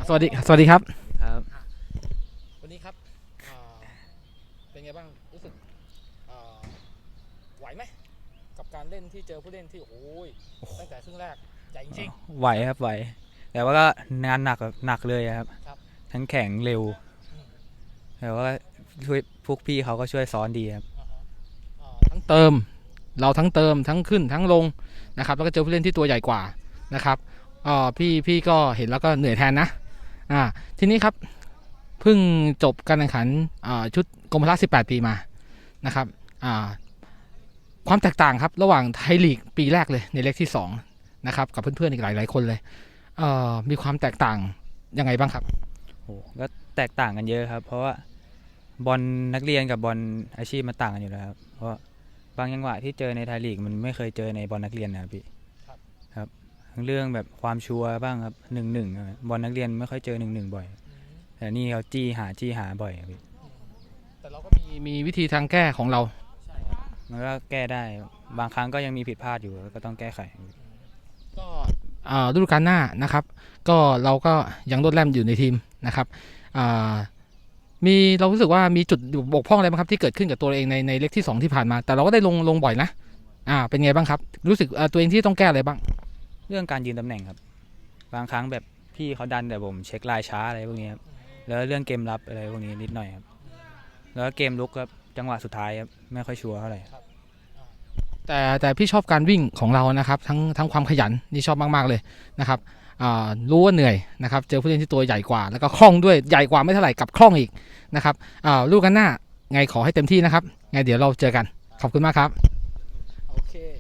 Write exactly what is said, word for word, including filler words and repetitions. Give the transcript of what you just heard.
สวัสดีสวัสดีครับครับวันนี้ครับเป็นไงบ้างรู้สึกไหวไหมกับการเล่นที่เจอผู้เล่นที่โอ้ยตั้งแต่ครึ่งแรกใหญ่จริงไหวครับไหวแต่ว่าก็งานหนักหนักเลยครับทั้งแข็งเร็วแต่ว่าช่วยพวกพี่เขาก็ช่วยซ้อนดีครับทั้งเติมเราทั้งเติมทั้งขึ้นทั้งลงนะครับแล้วก็เจอผู้เล่นที่ตัวใหญ่กว่านะครับพี่พี่ก็เห็นแล้วก็เหนื่อยแทนนะอ่าทีนี้ครับเพิ่งจบการแข่งขันชุดกรมพละสิบแปดปีมานะครับความแตกต่างครับระหว่างไทยลีกปีแรกเลยในเล็กที่สองนะครับกับเพื่อนๆอีกหลายๆคนเลยมีความแตกต่างยังไงบ้างครับโอ้ก็แตกต่างกันเยอะครับเพราะว่าบอลนักเรียนกับบอลอาชีพมันต่างกันอยู่แล้วครับเพราะบางจังหวะที่เจอในไทยลีกมันไม่เคยเจอในบอลนักเรียนนะครับพี่ครับทั้งเรื่องแบบความชัวร์บ้างครับหนึ่งหนึ่งบอลนักเรียนไม่ค่อยเจอหนึ่งหนึ่งบ่อยแต่นี่เขาจี้หาจี้หาบ่อยครับพี่แต่เราก็มีมีวิธีทางแก้ของเรามันก็แก้ได้บางครั้งก็ยังมีผิดพลาดอยู่ก็ต้องแก้ไขก็ฤดูกาลหน้านะครับก็เราก็ยังโดดแล่มอยู่ในทีมนะครับมีเรารู้สึกว่ามีจุดบกพร่องอะไรบ้างครับที่เกิดขึ้นกับตัวเองในในเล็กที่สองที่ผ่านมาแต่เราก็ได้ลงลงบ่อยนะอ่าเป็นไงบ้างครับรู้สึกตัวเองที่ต้องแก้อะไรบ้างเรื่องการยืนตำแหน่งครับบางครั้งแบบพี่เขาดันแต่ผมเช็คลายช้าอะไรพวกนี้ครับแล้วเรื่องเกมรับอะไรพวกนี้นิดหน่อยครับแล้วเกมลุกครับจังหวะสุดท้ายครับไม่ค่อยชัวร์เท่าไหร่แต่แต่พี่ชอบการวิ่งของเรานะครับทั้งทั้งความขยันนี่ชอบมากๆเลยนะครับรู้ว่าเหนื่อยนะครับเจอผู้เล่นที่ตัวใหญ่กว่าแล้วก็คล่องด้วยใหญ่กว่าไม่เท่าไหร่กับคล่องอีกนะครับลูกกันหน้าไงขอให้เต็มที่นะครับไงเดี๋ยวเราเจอกันขอบคุณมากครับโอเค